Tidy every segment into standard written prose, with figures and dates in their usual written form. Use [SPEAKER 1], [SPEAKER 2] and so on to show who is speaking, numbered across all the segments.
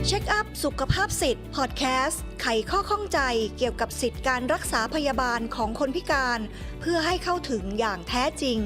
[SPEAKER 1] เช็คอัพสุขภาพสิทธิ์พอดแคสต์ไขข้อข้องใจเกี่ยวกับสิทธิการรักษาพยาบาลของคนพิการเพื่อให้เข้าถึงอย่างแท้จริง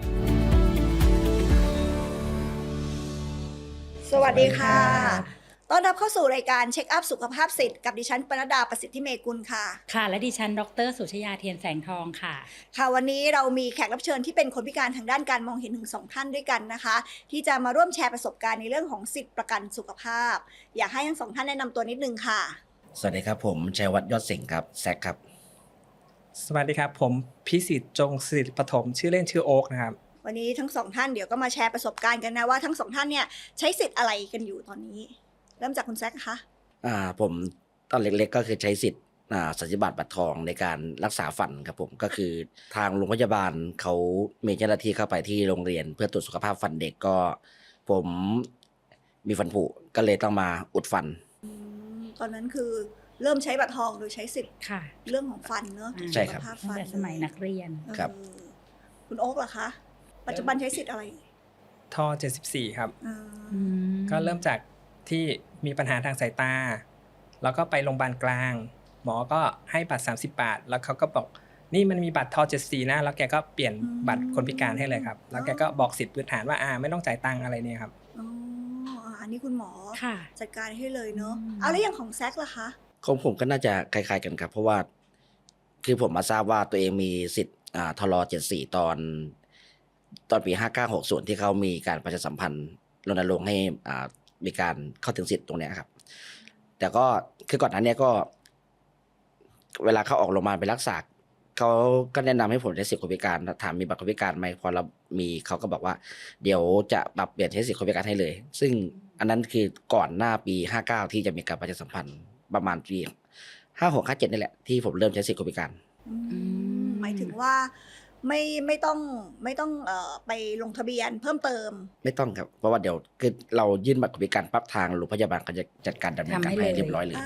[SPEAKER 1] สวัสดีค่ะต้อนรับเข้าสู่รายการเช็คอัพสุขภาพสิทธิ์กับดิฉันปนดดาประสิทธิเมกุลค่ะ
[SPEAKER 2] ค่ะและดิฉันดร.สุชยาเทียนแสงทองค่ะ
[SPEAKER 1] ค่ะวันนี้เรามีแขกรับเชิญที่เป็นคนพิการทางด้านการมองเห็นถึง2ท่านด้วยกันนะคะที่จะมาร่วมแชร์ประสบการณ์ในเรื่องของสิทธิประกันสุขภาพอยากให้ทั้ง2ท่านแนะนำตัวนิดนึงค่ะ
[SPEAKER 3] สวัสดีครับผมชัยวัฒน์ยอดสิงห์ครับแซคครับ
[SPEAKER 4] สวัสดีครับผมพิสิทธิ์จงศิริปฐมชื่อเล่นชื่อโอ๊กนะครับ
[SPEAKER 1] วันนี้ทั้ง2ท่านเดี๋ยวก็มาแชร์ประสบการณ์กันนะว่าทั้ง2ท่านเนี่ยใช้สิทธิ์อะไรกันอยู่ตอนนี้เริ่มจากคุณแซคคะ
[SPEAKER 3] ผมตอนเล็กๆก็คือใช้สิทธิ์สัญญาบัตรทองในการรักษาฟันครับผมก็คือทางโรงพยาบาลเขามีเจ้าหน้าที่เข้าไปที่โรงเรียนเพื่อตรวจสุขภาพฟันเด็กก็ผมมีฟันผุก็เลยต้องมาอุดฟัน
[SPEAKER 1] ตอนนั้นคือเริ่มใช้บัตรทองโดยใช้สิทธิ์
[SPEAKER 2] ค่ะ
[SPEAKER 1] เรื่องของฟันเนอะ
[SPEAKER 3] ใช่ครับ
[SPEAKER 2] ตั้งแต่สมัยนักเรียน
[SPEAKER 3] ครับ
[SPEAKER 1] คุณโอ๊คล่ะคะปัจจุบันใช้สิทธิ์อะไร
[SPEAKER 4] ท่อ74ครับก็เริ่มจากที่มีปัญหาทางสายตาแล้วก็ไปโรงพยาบาลกลางหมอก็ให้บัตร30 บาทแล้วเขาก็บอกนี่มันมีบัตรท่อ74นะแล้วแกก็เปลี่ยนบัตรคนพิการให้เลยครับแล้วแกก็บอกสิทธิ์พื้นฐานว่าไม่ต้องจ่ายตังค์อะไรเนี่ยครับ
[SPEAKER 1] อันนี้คุณหมอจัดการให้เลยเนอะเอาแล้วอย่างของแซคล่ะคะ
[SPEAKER 3] ของผมก็น่าจะคล้ายๆกันครับเพราะว่าคือผมมาทราบว่าตัวเองมีสิทธิ์ทล74ตอนปี5960ที่เขามีการประชาสัมพันธ์รณรงค์ให้มีการเข้าถึงสิทธิ์ตรงนี้ครับแต่ก็คือก่อนหน้านี้ก็เวลาเขาออกโรงพยาบาลไปรักษาเขาก็แนะนำให้ผมใช้สิทธิ์คนพิการถามมีบัตรคนพิการไหมพอเรามีเขาก็บอกว่าเดี๋ยวจะปรับเปลี่ยนใช้สิทธิ์คนพิการให้เลยซึ่งอันนั้นคือก่อนหน้าปี59ที่จะมีการประชาสัมพันธ์ประมาณปี5657นี่แหละที่ผมเริ่มใช้สิทธิ์คนพิการ
[SPEAKER 1] หมายถึงว่าไม่ต้องไปลงทะเบียนเพิ่มเติม
[SPEAKER 3] ไม่ต้องครับเพราะว่าเดี๋ยวคือเรายื่นบัตรคนพิการปั๊บทางโรงพยาบาลก็จะจัดการดำเนินการให้เรียบร้อยเลย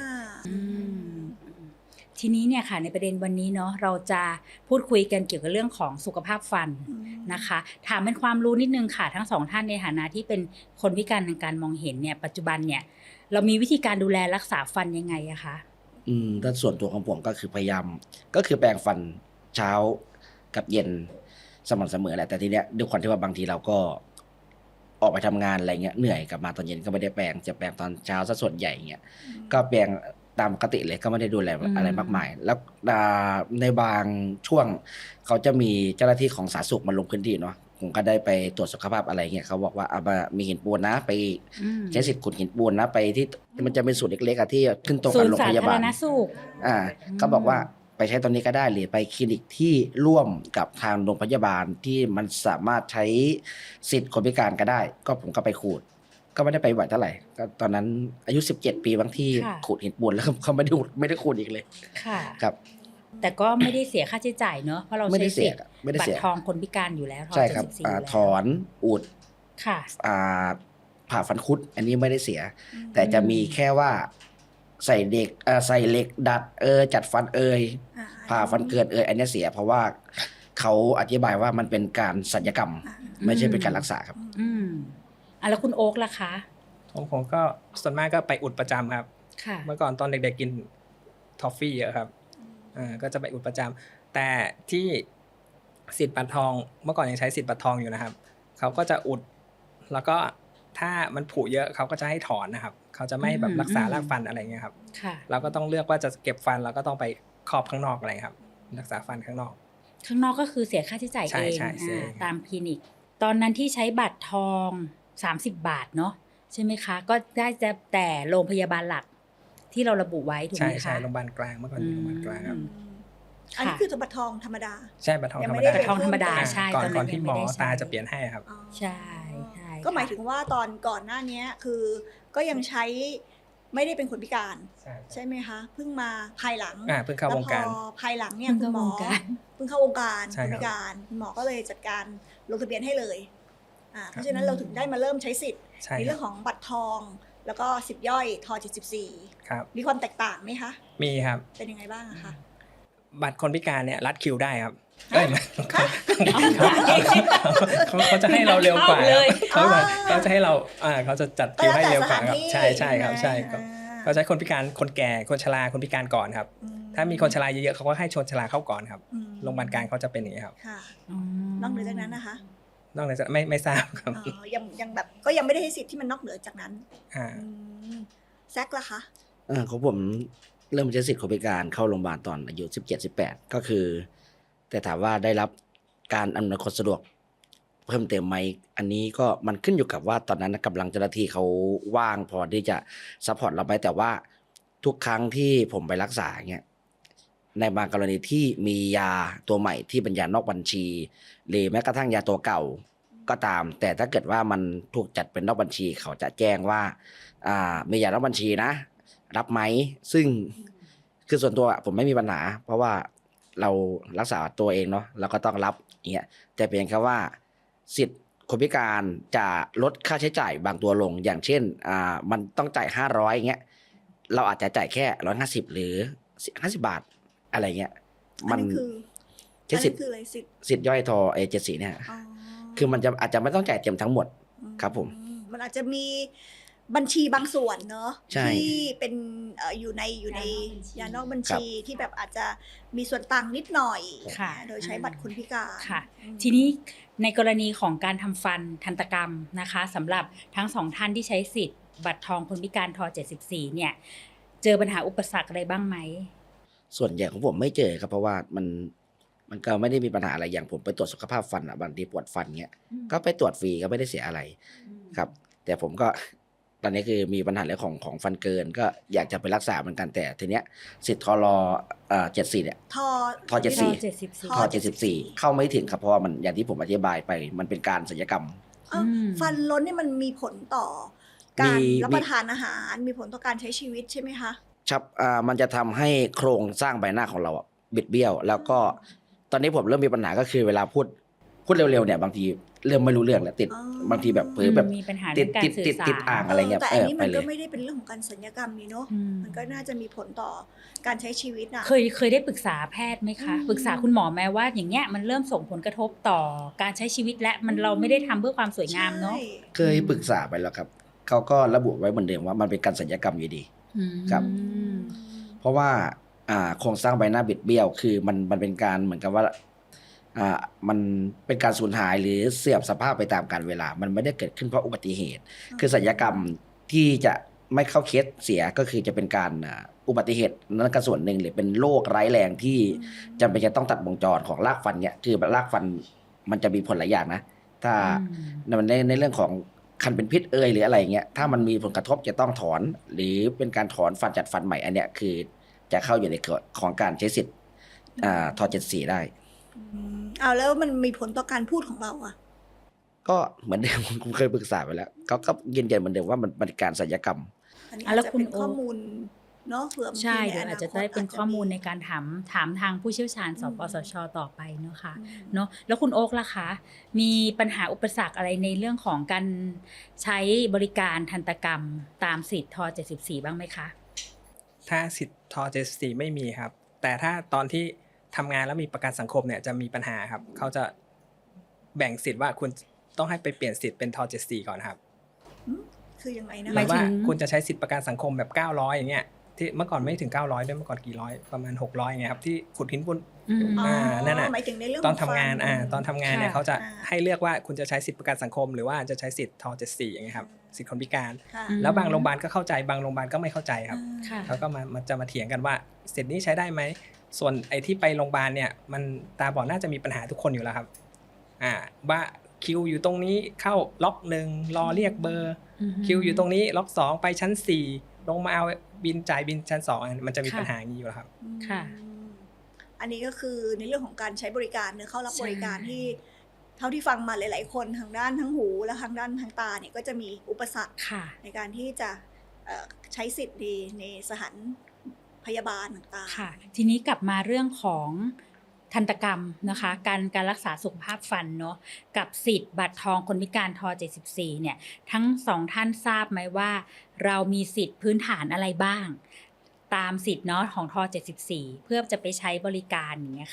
[SPEAKER 2] ทีนี้เนี่ยค่ะในประเด็นวันนี้เนาะเราจะพูดคุยกันเกี่ยวกับเรื่องของสุขภาพฟันนะคะถามเป็นความรู้นิดนึงค่ะทั้ง2ท่านในฐานะที่เป็นคนพิการทางการมองเห็นเนี่ยปัจจุบันเนี่ยเรามีวิธีการดูแลรักษาฟันยังไงอะคะ
[SPEAKER 3] ถ้าส่วนตัวของผมก็คือพยายามก็คือแปรงฟันเช้ากับเย็นสม่ำเสมอแหละแต่ทีเนี้ยด้วยความที่ว่าบางทีเราก็ออกไปทำงานอะไรเงี้ยเหนื่อยกลับมาตอนเย็นก็ไม่ได้แปรงจะแปรงตอนเช้าซะส่วนใหญ่เงี้ยก็แปรงตามปกติเลยก็ไม่ได้ดูแลอะไรมากมายแล้วในบางช่วงเขาจะมีเจ้าหน้าที่ของสาธารณสุขมาลงพื้นที่เนาะผมก็ได้ไปตรวจสุขภาพอะไรเงี้ยเขาบอกว่ามีหินปูนนะไปใช้สิทธิ์ขุดหินปูนนะไปที่มันจะเป็นศูนย์เล็กๆที่ขึ้นตรงกับโรงพยาบาลเขาบอกว่าไปใช้ตอนนี้ก็ได้หรือไปคลินิกที่ร่วมกับทางโรงพยาบาลที่มันสามารถใช้สิทธิ์คนพิการก็ได้ก็ผมก็ไปขูดก็ไม่ได้ไปบ่อยเท่าไหร่ก็ตอนนั้นอายุ17 ปีบางที่ขูดหินปูนแล้วเขาไม่ได้ขูดอีกเลย
[SPEAKER 2] ค่ะ
[SPEAKER 3] ครับ
[SPEAKER 2] แต่ก็ไม่ได้เสียค่าใช้จ่ายเนอะเพราะเราใช้สิทธิ์บัตรทองคนพิการอยู่แล้ว
[SPEAKER 3] ใช่ครับถอนอุด
[SPEAKER 2] ค่ะ
[SPEAKER 3] ผ่าฟันคุดอันนี้ไม่ได้เสียแต่จะมีแค่ว่าใส่เหล็กดัดจัดฟันผ่าฟันเกินอันนี้เสียเพราะว่าเขาอธิบายว่ามันเป็นการศัลยกรรมไม่ใช่เป็นการรักษาครับ
[SPEAKER 2] แล้วคุณโอ๊คล่ะคะ
[SPEAKER 4] ผมก็ส่วนมากก็ไปอุดประจำครับเมื่อก่อนตอนเด็กๆกินทอฟฟี่เยอะครับก็จะไปอุดประจำแต่ที่สิทธิ์บัตรทองเมื่อก่อนยังใช้สิทธิ์บัตรทองอยู่นะครับเขาก็จะอุดแล้วก็ถ้ามันผุเยอะเขาก็จะให้ถอนนะครับเขาจะไม่แบบรักษารากฟันอะไรเงี้ยครับเราก็ต้องเลือกว่าจะเก็บฟันเราก็ต้องไปครอบข้างนอกอะไรครับรักษาฟันข้างนอก
[SPEAKER 2] ก็คือเสียค่าใช้จ่ายเองตามคลินิกตอนนั้นที่ใช้บัตรทอง30 บาทเนาะใช่ไหมคะก็ได้แต่โรงพยาบาลหลักที่เราระบุไว้ถูกไหมคะ
[SPEAKER 4] ใช่โรงพยาบาลกลางเมื่อก่อนมีโรงพยาบาลกลางครับ
[SPEAKER 1] อันนี้คือบัตรทองธรรมดา
[SPEAKER 4] ใช่บัตรทองธรรมดา
[SPEAKER 2] ใช่
[SPEAKER 4] ก่อนที่หมอตาจะเปลี่ยนให้ครับ
[SPEAKER 2] ใช่
[SPEAKER 1] ก็หมายถึงว่าตอนก่อนหน้านี้คือก็ยังใช้ไม่ได้เป็นคนพิการใช่ไหมคะเพิ่งมาภายหลัง
[SPEAKER 4] เพิ่งเข้าวงการ
[SPEAKER 1] ภายหลังเนี่ยคุณหมอเพิ่งเข้าวงการคนพิการคุณหมอก็เลยจัดการลงทะเบียนให้เลยเพราะฉะนั้นเราถึงได้มาเริ่มใช้สิทธิ์ในเรื่องของบัตรทองแล้วก็สิบย่อยท74
[SPEAKER 4] ครับ
[SPEAKER 1] มีความแตกต่างไหมคะ
[SPEAKER 4] มีครับ
[SPEAKER 1] เป็นยังไงบ้างคะ
[SPEAKER 4] บัตรคนพิการเนี่ยรัดคิวได้ครับเอ้ยเขาจะให้เราเร็วกว่าเขาจะให้เราเขาจะจัดคิวให้เร็วกว่าครับใช่ครับใช่ครับเขาใช้คนพิการคนแก่คนชราคนพิการก่อนครับถ้ามีคนชราเยอะๆเขาก็ให้ชนชราเข้าก่อนครับโรงพยาบาลกลางเขาจะเป็นอย่างนี้ครับ
[SPEAKER 1] ค่ะนอกเหนือจากนั้นนะคะ
[SPEAKER 4] นอกเหนือจากไม่ทราบครับ
[SPEAKER 1] ยังแบบก็ยังไม่ได้ให้สิทธิ์ที่มันนอกเหนือจากนั้นแซกล่ะคะ
[SPEAKER 3] ของผมเริ่มใช้สิทธิ์คนพิการเข้าโรงพยาบาลตอนอายุ17-18ก็คือแต่ถามว่าได้รับการอำนวยความสะดวกเพิ่มเติมไหมอันนี้ก็มันขึ้นอยู่กับว่าตอนนั้นกำลังเจ้าหน้าที่เขาว่างพอที่จะซัพพอร์ตเราไหมแต่ว่าทุกครั้งที่ผมไปรักษาเงี้ยในบางกรณีที่มียาตัวใหม่ที่เป็นยานอกบัญชีหรือแม้กระทั่งยาตัวเก่าก็ตามแต่ถ้าเกิดว่ามันถูกจัดเป็นนอกบัญชีเขาจะแจ้งว่ามียานอกบัญชีนะรับไหมซึ่งคือส่วนตัวผมไม่มีปัญหาเพราะว่าเรารักษาตัวเองเนาะเราก็ต้องรับอย่างเงี้ยแต่เพียงแค่ว่าสิทธิ์คนพิการจะลดค่าใช้จ่ายบางตัวลงอย่างเช่นมันต้องจ่าย500อย่างเงี้ยเราอาจจะจ่ายแค่150หรือ50 บาทอะไรเงี้ยมันใช้สิทธิ์ย่อยทอ74เนี่ยคือมันจะอาจจะไม่ต้องจ่ายเต็มทั้งหมดครับผม
[SPEAKER 1] มันอาจจะมีบัญชีบางส่วนเนอะที่เป็นอยู่ในยานอกบัญชีที่แบบอาจจะมีส่วนต่างนิดหน่อยโดยใช้บัตรคนพิการ
[SPEAKER 2] ค่ะทีนี้ในกรณีของการทำฟันทันตกรรมนะคะสำหรับทั้ง2ท่านที่ใช้สิทธิ์บัตรทองคนพิการท74เนี่ยเจอปัญหาอุปสรรคอะไรบ้างไหม
[SPEAKER 3] ส่วนใหญ่ของผมไม่เจอครับเพราะว่ามันก็ไม่ได้มีปัญหาอะไรอย่างผมไปตรวจสุขภาพฟันบางทีปวดฟันเงี้ยก็ไปตรวจฟรีก็ไม่ได้เสียอะไรครับแต่ผมก็ตอนนี้คือมีปัญหาเรื่องของฟันเกินก็อยากจะไปรักษาเหมือนกันแต่ทีเนี้ยสิทธิ์ทร74เนี่ยท74เข้าไม่ถึงครับเพราะว่ามันอย่างที่ผมอธิบายไปมันเป็นการศัลยกรรม
[SPEAKER 1] ฟันล้นนี่มันมีผลต่อการรับประทานอาหารมีผลต่อการใช้ชีวิตใช่ไหมคะ
[SPEAKER 3] ครับมันจะทำให้โครงสร้างใบหน้าของเราบิดเบี้ยวแล้วก็ตอนนี้ผมเริ่มมีปัญหาก็คือเวลาพูดเร็วๆเนี่ยบางทีเริ่มไม่รู้เรื่องแล้วติดบางทีแบบเผลอแบบติดอ่างอะไรเงี้ย
[SPEAKER 1] แต่อันนี้มันก็ไม่ได้เป็นเรื่องของการศัลยกรรมนี่เนาะมันก็น่าจะมีผลต่อการใช้ชีวิตนะ
[SPEAKER 2] เคยได้ปรึกษาแพทย์ไหมคะปรึกษาคุณหมอแม้ว่าอย่างเงี้ยมันเริ่มส่งผลกระทบต่อการใช้ชีวิตและมันเราไม่ได้ทำเพื่อความสวยงามเนาะ
[SPEAKER 3] เคยปรึกษาไปแล้วครับเขาก็ระบุไว้เหมือนเดิมว่ามันเป็นการศัลยกรรมอยู่ดีครับเพราะว่าโครงสร้างใบหน้าบิดเบี้ยวคือมันเป็นการเหมือนกับว่ามันเป็นการสูญหายหรือเสื่อมสภาพไปตามกาลเวลามันไม่ได้เกิดขึ้นเพราะอุบัติเหตุคือศัลยกรรมที่จะไม่เข้าเคสเสียก็คือจะเป็นการอุบัติเหตุนั่นก็ส่วนหนึ่งหรือเป็นโรคร้ายแรงที่จำเป็นจะต้องตัดวงจรของรากฟันเนี่ยคือรากฟันมันจะมีผลหลายอย่างนะถ้าในเรื่องของคันเป็นพิษหรืออะไรเงี้ยถ้ามันมีผลกระทบจะต้องถอนหรือเป็นการถอนฟันจัดฟันใหม่อันเนี้ยคือจะเข้าอยู่ในกฎของการใช้สิทธิ์ท.74ได้
[SPEAKER 1] แล้วมันมีผลต่อการพูดของเรา
[SPEAKER 3] ก็เหมือนเดิมผมเคยปรึกษาไปแล้วเขาก็ยืนยันเหมือนเดิมว่ามันเป็นการศัลยกรรม
[SPEAKER 1] แล้วคุณข้อมูลเนาะเผื่อ
[SPEAKER 2] ใช่เดี๋ยวอาจจะได้เป็นข้อมูลในการถามทางผู้เชี่ยวชาญสปสช.ต่อไปเนาะค่ะเนาะแล้วคุณโอ๊คล่ะคะมีปัญหาอุปสรรคอะไรในเรื่องของการใช้บริการทันตกรรมตามสิทธิ์ท.74บ้างไหมคะ
[SPEAKER 4] ถ้าสิทธิ์ท.74ไม่มีครับแต่ถ้าตอนที่ทำงานแล้วมีประกันสังคมเนี่ยจะมีปัญหาครับเขาจะแบ่งสิทธิ์ว่าคุณต้องให้ไปเปลี่ยนสิทธิ์เป็นท.74ก่อนครับ
[SPEAKER 1] คือยังไงนะ
[SPEAKER 4] หมายว่าคุณจะใช้สิทธิ์ประกันสังคมแบบ900อย่างเงี้ยที่เมื่อก่อนไม่ถึง900ด้วยเมื่อก่อนกี่ร้อยประมาณ600อย่างเงี้ยครับที่ขุดหินปูนนั่นน่ะตอนทำงานตอนทำงานเนี่ยเขาจะให้เลือกว่าคุณจะใช้สิทธิ์ประกันสังคมหรือว่าจะใช้สิทธิ์ท.74อย่างเงี้ยครับสิทธิ์คนพิการแล้วบางโรงพยาบาลก็เข้าใจบางโรงพยาบาลก็ไม่เข้าใจครับเขาก็มาเถียงกันว่าสิทธิ์นี้ใช้ได้ไหมส่วนไอ้ที่ไปโรงพยาบาลเนี่ยมันตาบอดน่าจะมีปัญหาทุกคนอยู่แล้วครับว่าคิวอยู่ตรงนี้เข้าล็อก1รอเรียกเบอร์คิวอยู่ตรงนี้ล็อก2ไปชั้น4ลงมาเอาบินจ่ายบินชั้น2มันจะมีปัญหาอย่างนี้อยู่แล้วครับ
[SPEAKER 1] ค่ะอันนี้ก็คือในเรื่องของการใช้บริการเข้ารับบริการที่เท่าที่ฟังมาหลายๆคนทางด้านทั้งหูและทางด้านทางตาเนี่ยก็จะมีอุปสรรคในการที่จะใช้สิทธิ์ในสถานพยาบาลต่างๆ
[SPEAKER 2] ค่ะทีนี้กลับมาเรื่องของทันตกรรมนะคะการรักษาสุขภาพฟันเนาะกับสิทธิ์บัตรทองคนพิการท.74เนี่ยทั้ง2ท่านทราบไหมว่าเรามีสิทธิ์พื้นฐานอะไรบ้างตามสิทธิ์เนาะของท.74เพื่อจะไปใช้บริการอย่างเงี้ยค่ะ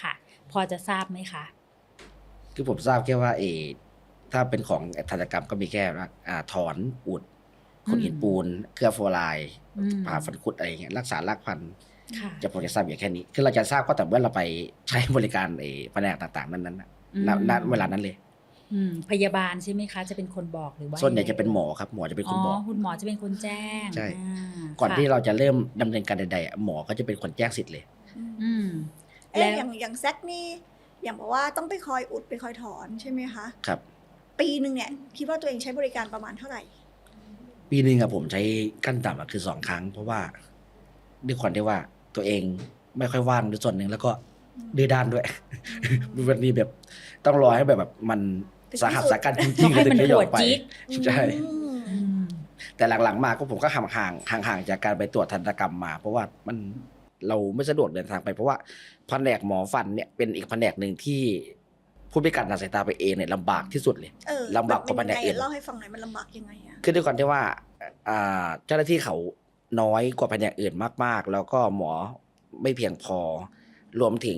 [SPEAKER 2] พอจะทราบไหมคะ
[SPEAKER 3] คือผมทราบแค่ว่าถ้าเป็นของทันตกรรมก็มีแค่ว่าถอนอุดขนหินปูนเคลือบฟลูออไรด์ผ่าฟันคุดอะไรอย่างเงี้ยรักษารากฟัน
[SPEAKER 2] ค่ะ
[SPEAKER 3] จะผมจะทราบอย่างแค่นี้คือเราจะทราบก็แต่เมื่อเราไปใช้บริการแผนกต่างๆนั้นณเวลานั้นเลย
[SPEAKER 2] พยาบาลใช่ไหมคะ จะเป็นคนบอกหรือว่า
[SPEAKER 3] ส่วนใหญ่จะเป็นหมอครับหมอจะเป็นคนบอก
[SPEAKER 2] คุณหมอจะเป็นคนแจ้ง
[SPEAKER 3] ใช่
[SPEAKER 2] า
[SPEAKER 3] ก่อน
[SPEAKER 2] ค่ะ
[SPEAKER 3] ที่เราจะเริ่มดำเนินการใดๆหมอก็จะเป็นคนแจ้งสิทธิ์เลย
[SPEAKER 2] อืม
[SPEAKER 1] เอ๊ะ
[SPEAKER 2] แล้ว
[SPEAKER 1] อย่างแซกนี่อย่างบอกว่าต้องไปคอยอุดไปคอยถอนใช่ไหมคะ
[SPEAKER 3] ครับ
[SPEAKER 1] ปีหนึ่งเนี่ยคิดว่าตัวเองใช้บริการประมาณเท่าไหร่
[SPEAKER 3] ปีหนึ่งผมใช้ขั้นต่ำคือ2 ครั้ง เพราะว่าด้วยความที่ว่าตัวเองไม่ค่อยว่างด้วยส่วนหนึ่งแล้วก็ดื้อด้านด้วย มันมีแบบต้องรอให้แบบมันสาหัสสากันจริงๆ
[SPEAKER 2] ให้มัน
[SPEAKER 3] ถึงจะยอมไป
[SPEAKER 2] ปวดจี๊ด
[SPEAKER 3] ใช่
[SPEAKER 1] อืม
[SPEAKER 3] แต่หลังๆมาก็ผมก็ห่างจากการไปตรวจทันตกรรมมา เพราะว่าเราไม่สะดวกเดินทางไปเพราะว่าแผนกหมอฟันเนี่ยเป็นอีกแผนกหนึ่งที่ผู้พิการทางสายตาไปเองเนี่ยลำบากที่สุดเลย ลำบากกว่าแผนกอื่น
[SPEAKER 1] เล่าให้ฟังหน่อยมันลำบากยังไงอะ
[SPEAKER 3] คือด้วยความที่ว่าเจ้าหน้าที่เขาน้อยกว่าแผนกอื่นมากๆ แล้วก็หมอไม่เพียงพอ รวมถึง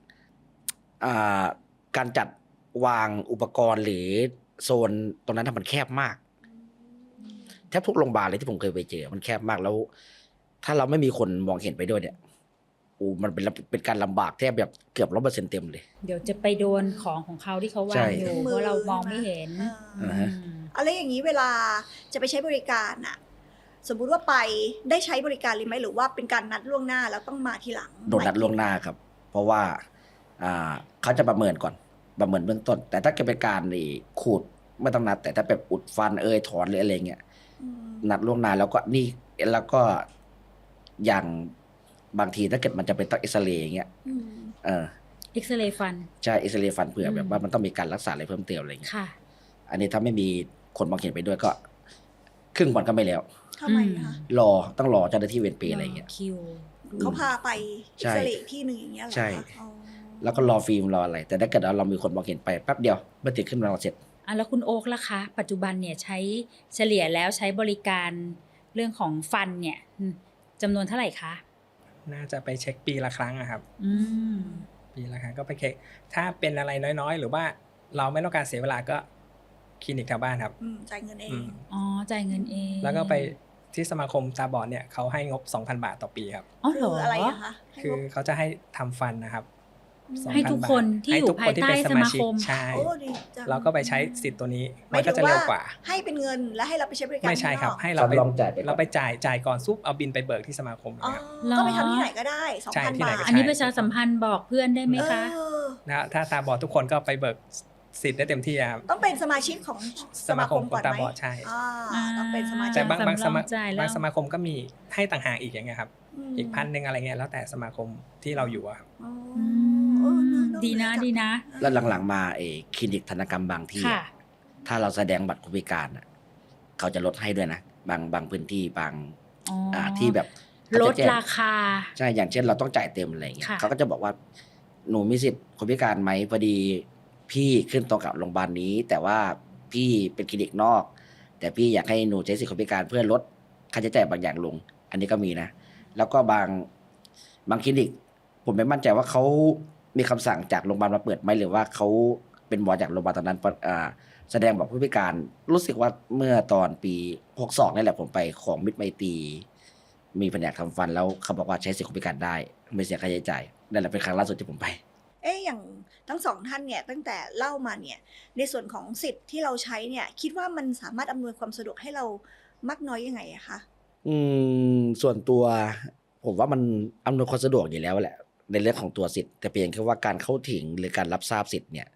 [SPEAKER 3] การจัดวางอุปกรณ์หรือโซนตรงนั้นมันแคบมาก แทบทุกโรงพยาบาลเลยที่ผมเคยไปเจอมันแคบมากแล้ว ถ้าเราไม่มีคนมองเห็นไปด้วยเนี่ยมันเป็นการลำบากแทบแบบเกือบ100%เต็มเลย
[SPEAKER 2] เดี๋ยวจะไปโดนของเขาที่เขาวา
[SPEAKER 3] ใช่
[SPEAKER 2] งอยู่เพราะเรามองไม่เห็น
[SPEAKER 1] อ่า
[SPEAKER 3] ฮะ
[SPEAKER 1] อะไรอย่างนี้เวลาจะไปใช้บริการอะสมมุติว่าไปได้ใช้บริการเลยไหมหรือว่าเป็นการนัดล่วงหน้าแล้วต้องมาทีหลัง
[SPEAKER 3] โดนนัดล่วงหน้าครับ เพราะว่าเขาจะประเมินก่อนประเมินเบื้องต้น แต่ถ้าเกิดเป็นการขูดไม่ต้องนัด แต่ถ้าแบบอุดฟันถอนหรืออะไรเงี้ย
[SPEAKER 1] อืม
[SPEAKER 3] นัดล่วงหน้าแล้วก็อย่างบางทีถ้าเกิดมันจะเป็นต้องเอ็กซเรย์อย่างเงี้ย
[SPEAKER 1] อืม
[SPEAKER 3] เออ
[SPEAKER 2] เอ็กซเรย์ฟัน
[SPEAKER 3] ใช่เอ็กซเรย์ฟันเผื่อ
[SPEAKER 2] อืม
[SPEAKER 3] แบบว่ามันต้องมีการรักษาอะไรเพิ่มเติมอะไรเงี้ย
[SPEAKER 2] ค่ะ
[SPEAKER 3] อันนี้ถ้าไม่มีคนมองเห็นไปด้วยก็ครึ่งวันก็ไม่แล้ว
[SPEAKER 1] ทำไมคะ
[SPEAKER 3] ต้องรอเจ้าหน้าที่เวรเปรย์อะไรเงี้ย
[SPEAKER 2] คิว
[SPEAKER 1] เขาพาไป
[SPEAKER 3] ใช่
[SPEAKER 1] อิสระที่หนึ่งอย่างเงี้ยเหรอคะ
[SPEAKER 3] ใช่
[SPEAKER 1] อ๋อ
[SPEAKER 3] แล้วก็รอฟิล์มรออะไร แต่ถ้าเกิดเรามีคนมองเห็นไปแป๊บเดียวเมื่อติดขึ้นมาเราเสร็จ
[SPEAKER 2] แล้วคุณโอ๊คล่ะคะ ปัจจุบันเนี่ยใช้เฉลี่ยแล้วใช้บริการเรื่องของฟันเนี่ยจำนวนเท่าไหร่คะ
[SPEAKER 4] น่าจะไปเช็คปีละครั้งอะครับ
[SPEAKER 2] อืม
[SPEAKER 4] ปีละครั้งก็ไปเช็คถ้าเป็นอะไรน้อยๆ หรือว่าเราไม่ต้องการเสียเวลาก็คลินิกแถวบ้านครับ
[SPEAKER 1] จ่ายเงินเอ
[SPEAKER 4] อื
[SPEAKER 1] ง
[SPEAKER 4] ม
[SPEAKER 2] อ๋อ จ่ายเงินเอง
[SPEAKER 4] แล้วก็ไปที่สมาคมตาบอดเนี่ยเขาให้งบ 2,000 บาทต่อปีครับ
[SPEAKER 2] อ๋อเหร
[SPEAKER 1] คือ
[SPEAKER 2] อ
[SPEAKER 1] อะไรอะคะ
[SPEAKER 4] คือเขาจะให้ทำฟันนะครับ
[SPEAKER 1] ม
[SPEAKER 2] ให้ทุกคนที่อยู่
[SPEAKER 4] ให้ทุกคนที่เป็น
[SPEAKER 2] ภายใต้
[SPEAKER 4] สมาชิก
[SPEAKER 2] สมาคม
[SPEAKER 4] ใช่
[SPEAKER 1] โอ้ดีจัง
[SPEAKER 4] เราก็ไปใช้สิทธิ์ตัวนี้
[SPEAKER 1] ห
[SPEAKER 4] มั
[SPEAKER 1] ย
[SPEAKER 4] น
[SPEAKER 1] ถึ
[SPEAKER 4] ก็
[SPEAKER 1] ง
[SPEAKER 4] จะเร็วกว่า
[SPEAKER 1] ให้เป็นเงินและให้เราไปใช้บริการ
[SPEAKER 4] ไม่ใช่ครับ
[SPEAKER 1] ข้างนอก
[SPEAKER 4] ให้เราไป
[SPEAKER 3] ลองจ่ายไปก่อน
[SPEAKER 4] เราไปจ่ายก่อนซุปเอาบินไปเบิกที่สมาคม
[SPEAKER 1] อ๋อ
[SPEAKER 4] นะครับ
[SPEAKER 2] เหรอ
[SPEAKER 1] ก็ไปทำที่ไหนก็ได้2,000
[SPEAKER 4] ใช่ที่ไหน
[SPEAKER 1] บาท
[SPEAKER 4] ก็
[SPEAKER 2] อันนี้ประชาสัมพันธ์บอกเพื่อนได้ไหมคะ
[SPEAKER 1] เออ
[SPEAKER 4] นะถ้าตาบอดทุกคนก็ไปเบิกสิทธิ์ได้เต็มที่ครับ
[SPEAKER 1] ต้องเป็นสมาชิกของสมาคมก่อน
[SPEAKER 4] ตา
[SPEAKER 1] ไหม
[SPEAKER 4] บอดใช่
[SPEAKER 1] ต้องเป็นสมาชิ
[SPEAKER 4] แต่
[SPEAKER 1] ก
[SPEAKER 4] บางสมา
[SPEAKER 2] จ่ายแล้ว
[SPEAKER 4] บางสมาคมก็มีให้ต่างหากอีกอย่างเงี้ยครับ
[SPEAKER 1] ม
[SPEAKER 4] อีก1,000อะไรเงี้ยแล้วแต่สมาคมที่เราอยู่อะครับ
[SPEAKER 1] อ๋อ
[SPEAKER 2] อื
[SPEAKER 1] เออ
[SPEAKER 2] ม
[SPEAKER 1] น่า
[SPEAKER 2] ดีนะ
[SPEAKER 1] จัง
[SPEAKER 2] ดีนะ
[SPEAKER 3] แล้วหลังๆมาคลินิกธนกรรมบางที่
[SPEAKER 2] ค่ะ
[SPEAKER 3] ถ้าเราแสดงบัตรคนพิการเขาจะลดให้ด้วยนะบางพื้นที่บาง
[SPEAKER 2] อ๋อ
[SPEAKER 3] ที่แบบ
[SPEAKER 2] ลด
[SPEAKER 3] เขจะแจ้ง
[SPEAKER 2] ราคา
[SPEAKER 3] ใช่อย่างเช่นเราต้องจ่ายเต็มอะไรเงี้ย
[SPEAKER 2] ค่ะ
[SPEAKER 3] เขาก็จะบอกว่าหนูมีสิทธิ์คนพิการไหมพอดีพี่ขึ้นตรงกับโรงพยาบาลนี้ แต่ว่าพี่เป็นคลินิกนอก แต่พี่อยากให้หนูใช้สิทธิ์คนพิการเพื่อลดค่าใช้จ่ายบางอย่างลง อันนี้ก็มีนะ แล้วก็บางคลินิก ผมไม่มั่นใจว่าเขามีคำสั่งจากโรงพยาบาลมาเปิดไหมหรือว่าเขาเป็นหมอจากโรงพยาบาลตอนนั้นแสดงบอกผู้พิการรู้สึกว่าเมื่อตอนปี62นี่แหละผมไปของมิตรไมตรีมีแผนกทำฟันแล้วเขาบอกว่าใช้สิทธิคนพิการได้ไม่เสียค่าใช้จ่ายนั่นแหละเป็นครั้งล่าสุดที่ผมไป
[SPEAKER 1] อย่างทั้งสองท่านเนี่ยตั้งแต่เล่ามาเนี่ยในส่วนของสิทธิ์ที่เราใช้เนี่ยคิดว่ามันสามารถอำนวยความสะดวกให้เรามากน้อยยังไงอะคะ
[SPEAKER 3] ส่วนตัวผมว่ามันอำนวยความสะดวกอยู่แล้วแหละในเรื่องของตัวสิทธิ์แต่เพียงแค่ว่าการเข้าถึงหรือการรับทราบสิทธิ์เนี่ย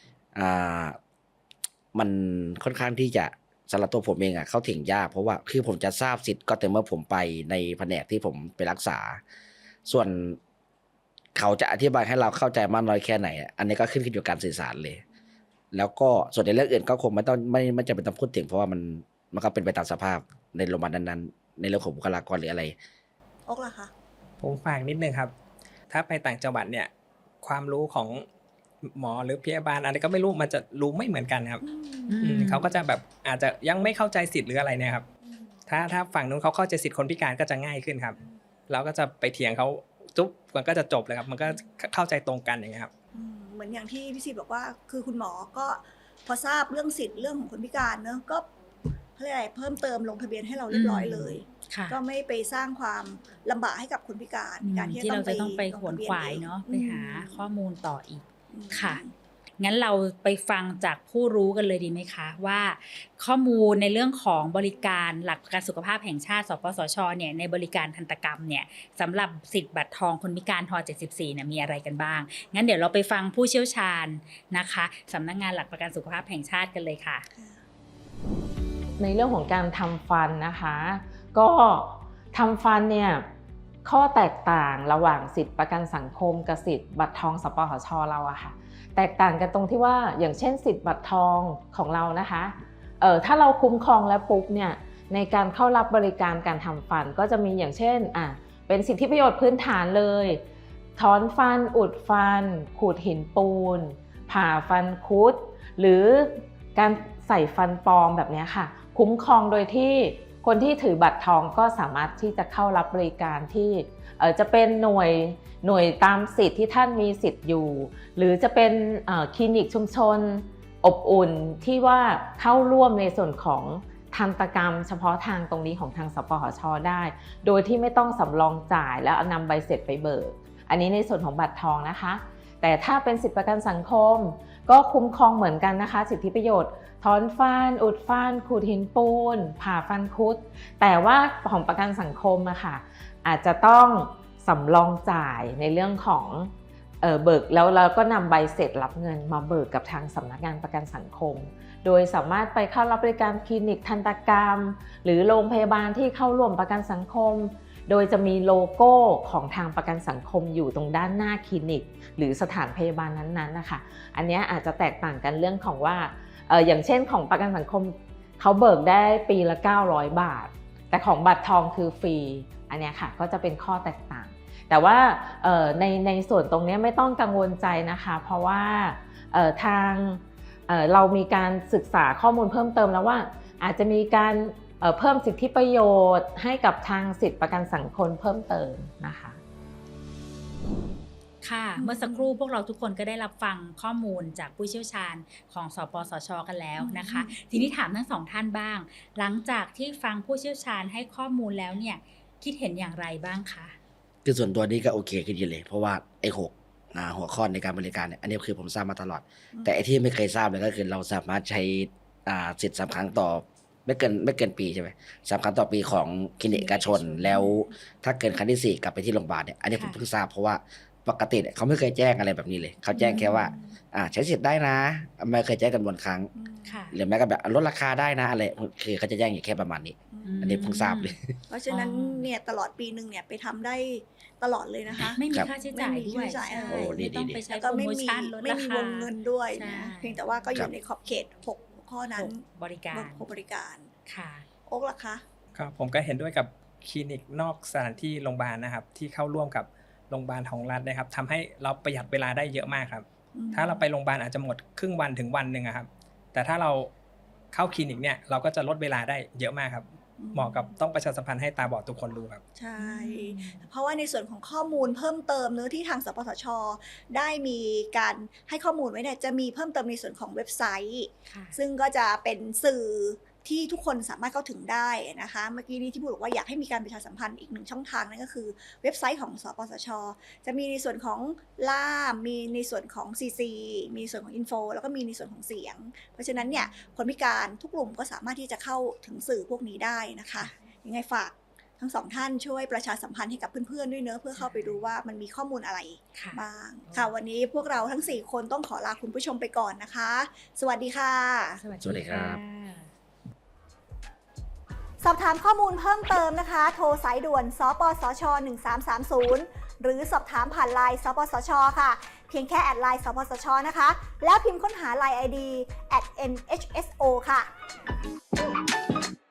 [SPEAKER 3] มันค่อนข้างที่จะสำหรับตัวผมเองเข้าถึงยากเพราะว่าคือผมจะทราบสิทธิ์ก็แต่เมื่อผมไปในแผนกที่ผมไปรักษา ส่วนเขาจะอธิบายให้เราเข้าใจมากน้อยแค่ไหนอันนี้ก็ขึ้นอยู่กับการสื่อสารเลย แล้วก็ส่วนในเรื่องอื่นก็คงไม่จำเป็นต้องพูดถึงเพราะว่ามันก็เป็นไปตามสภาพในโรงพยาบาลนั้นๆในเรื่องของบุคลากรหรืออะไร
[SPEAKER 1] โอ๊กล่ะคะ
[SPEAKER 4] ผมฝากนิดนึงครับ ถ้าไปต่างจังหวัดเนี่ยความรู้ของหมอหรือพยาบาลอะไรก็ไม่รู้มันจะรู้ไม่เหมือนกันครับ เขาก็จะแบบอาจจะยังไม่เข้าใจสิทธิ์หรืออะไรเนี่ยครับถ้าฝั่งนู้นเขาเข้าใจสิทธิ์คนพิการก็จะง่ายขึ้นครับเราก็จะไปเถียงเขาจุ๊บมันก็จะจบเลยครับมันก็เข้าใจตรงกันอย่างเงี้ยครับ
[SPEAKER 1] อืเหมือนอย่างที่พี่ซีบอกว่าคือคุณหมอก็พอทราบเรื่องสิทธิ์เรื่องของคนพิการเนอะก็อะไรเพิ่มเติมลงทะเบียนให้เราเรียบร้อยเลยก็ไม่ไปสร้างความลำบากให้กับคนพิการในการที่เราจะต้องไปขวนขวายเนาะ
[SPEAKER 2] ไปหาข้อมูลต่ออีกค่ะงั้นเราไปฟังจากผู้รู้กันเลยดีไหมคะว่าข้อมูลในเรื่องของบริการหลักประกันสุขภาพแห่งชาติสปสชเนี่ยในบริการทันตกรรมเนี่ยสำหรับสิทธิ์บัตรทองคนพิการท74เนี่ยมีอะไรกันบ้างงั้นเดี๋ยวเราไปฟังผู้เชี่ยวชาญนะคะสำนักงานหลักประกันสุขภาพแห่งชาติกันเลยค่ะ
[SPEAKER 5] ในเรื่องของการทำฟันนะคะก็ทำฟันเนี่ยข้อแตกต่างระหว่างสิทธิประกันสังคมกับสิทธิบัตรทองสปสชเราอะค่ะแตกต่างกันตรงที่ว่าอย่างเช่นสิทธิบัตรทองของเรานะคะถ้าเราคุ้มครองแล้วปุ๊บเนี่ยในการเข้ารับบริการการทำฟันก็จะมีอย่างเช่นเป็นสิทธิประโยชน์พื้นฐานเลยถอนฟันอุดฟันขูดหินปูนผ่าฟันคุดหรือการใส่ฟันปลอมแบบนี้ค่ะคุ้มครองโดยที่คนที่ถือบัตรทองก็สามารถที่จะเข้ารับบริการที่จะเป็นหน่วยตามสิทธิ์ที่ท่านมีสิทธิ์อยู่หรือจะเป็นคลินิกชุมชนอบอุ่นที่ว่าเข้าร่วมในส่วนของทันตกรรมเฉพาะทางตรงนี้ของทางสปสช.ได้โดยที่ไม่ต้องสำรองจ่ายแล้วนำใบเสร็จไปเบิกอันนี้ในส่วนของบัตรทองนะคะแต่ถ้าเป็นสิทธิประกันสังคมก็คุ้มครองเหมือนกันนะคะสิทธิประโยชน์ถอนฟันอุดฟันขูดหินปูนผ่าฟันคุดแต่ว่าของประกันสังคมอะค่ะอาจจะต้องสำรองจ่ายในเรื่องของเบิกแล้วเราก็นำใบเสร็จรับเงินมาเบิกกับทางสำนักงานประกันสังคมโดยสามารถไปเข้ารับบริการคลินิกทันตกรรมหรือโรงพยาบาลที่เข้าร่วมประกันสังคมโดยจะมีโลโก้ของทางประกันสังคมอยู่ตรงด้านหน้าคลินิกหรือสถานพยาบาลนั้นๆนะคะอันนี้อาจจะแตกต่างกันเรื่องของว่าอย่างเช่นของประกันสังคมเขาเบิกได้ปีละ900 บาทแต่ของบัตรทองคือฟรีอันนี้ค่ะก็จะเป็นข้อแตกต่างแต่ว่าในส่วนตรงนี้ไม่ต้องกังวลใจนะคะเพราะว่าทางเรามีการศึกษาข้อมูลเพิ่มเติมแล้วว่าอาจจะมีการเพิ่มสิทธิประโยชน์ให้กับทางสิทธิประกันสังคมเพิ่มเติมนะคะ
[SPEAKER 2] ค่ะเมื่อสักครู่พวกเราทุกคนก็ได้รับฟังข้อมูลจากผู้เชี่ยวชาญของสปสช.กันแล้วนะคะทีนี้ถามทั้งสองท่านบ้างหลังจากที่ฟังผู้เชี่ยวชาญให้ข้อมูลแล้วเนี่ยคิดเห็นอย่างไรบ้างคะ
[SPEAKER 3] คือส่วนตัวนี้ก็โอเคขึ้นเยอะเลยเพราะว่าไอ้หัวข้อในการบริการเนี่ยอันนี้คือผมทราบมาตลอดแต่ไอ้ที่ไม่เคยทราบเลยก็คือเราสามารถใช้สิทธิ์3 ครั้งต่อไม่เกินปีใช่ไหม3 ครั้งต่อปีของคลินิกเอกชนแล้วถ้าเกินครั้งที่4กลับไปที่โรงพยาบาลเนี่ยอันนี้ผมเพิ่งทราบเพราะว่าปกติเขาไม่เคยแจ้งอะไรแบบนี้เลยเขาแจ้งแค่ว่าใช้สิทธิ์ได้นะไม่เคยแจ้งจำนวนครั้งหรือแม้ก็แบบลดราคาได้นะอะไรคือเขาจะแจ้งอยู่แค่ประมาณนี้อันนี้เพิ่งทราบเลย
[SPEAKER 1] เพราะฉะนั้นเนี่ยตลอดปีนึงเนี่ยไปทำได้ตลอดเลยนะคะ
[SPEAKER 2] ไม่มีค่าใช้จ่ายด้วย
[SPEAKER 3] ไม่
[SPEAKER 2] ต้องไปใช้โปรโมชั่นลดราคา
[SPEAKER 1] ไม่มีวงเงินด้วยเพียงแต่ว่าก็อยู่ในขอบเขต6 ข้อนั้น
[SPEAKER 2] บริการ
[SPEAKER 1] ค่ะโอ๊กล่ะคะ
[SPEAKER 4] ครับผมก็เห็นด้วยกับคลินิกนอกสถานที่โรงพยาบาลนะครับที่เข้าร่วมกับโรงพยาบาลของรัฐนะครับทำให้เราประหยัดเวลาได้เยอะมากครับถ้าเราไปโรงพยาบาลอาจจะหมดครึ่งวันถึงวันนึงครับแต่ถ้าเราเข้าคลินิกเนี่ยเราก็จะลดเวลาได้เยอะมากครับเหมาะกับต้องประชาสัมพันธ์ให้ตาบอดทุกคนรู้ครับ
[SPEAKER 1] ใช่เพราะว่าในส่วนของข้อมูลเพิ่มเติมเนื้อที่ทางสปสช.ได้มีการให้ข้อมูลไว้เนี่ยจะมีเพิ่มเติมในส่วนของเว็บไซต์ซึ่งก็จะเป็นสื่อที่ทุกคนสามารถเข้าถึงได้นะคะเมื่อกี้นี้ที่พูดบอกว่าอยากให้มีการประชาสัมพันธ์อีก1 ช่องทางนั่นก็คือเว็บไซต์ของสปสช.จะมีในส่วนของล่ามมีในส่วนของ CC มีส่วนของ Info แล้วก็มีในส่วนของเสียงเพราะฉะนั้นเนี่ยคนพิการทุกกลุ่มก็สามารถที่จะเข้าถึงสื่อพวกนี้ได้นะคะยังไงฝากทั้งสองท่านช่วยประชาสัมพันธ์ให้กับเพื่อนๆด้วยเนอะเพื่อเข้าไปดูว่ามันมีข้อมูลอะไรบ้างค่ะวันนี้พวกเราทั้ง4 คนต้องขอลาคุณผู้ชมไปก่อนนะคะสวัสดีค่ะ
[SPEAKER 3] สวัสดีครับ
[SPEAKER 1] สอบถามข้อมูลเพิ่มเติมนะคะโทรสายด่วนสปสช1330หรือสอบถามผ่านไลน์สปสชค่ะเพียงแค่แอดไลน์สปสชนะคะแล้วพิมพ์ค้นหา LINE ID @nhso ค่ะ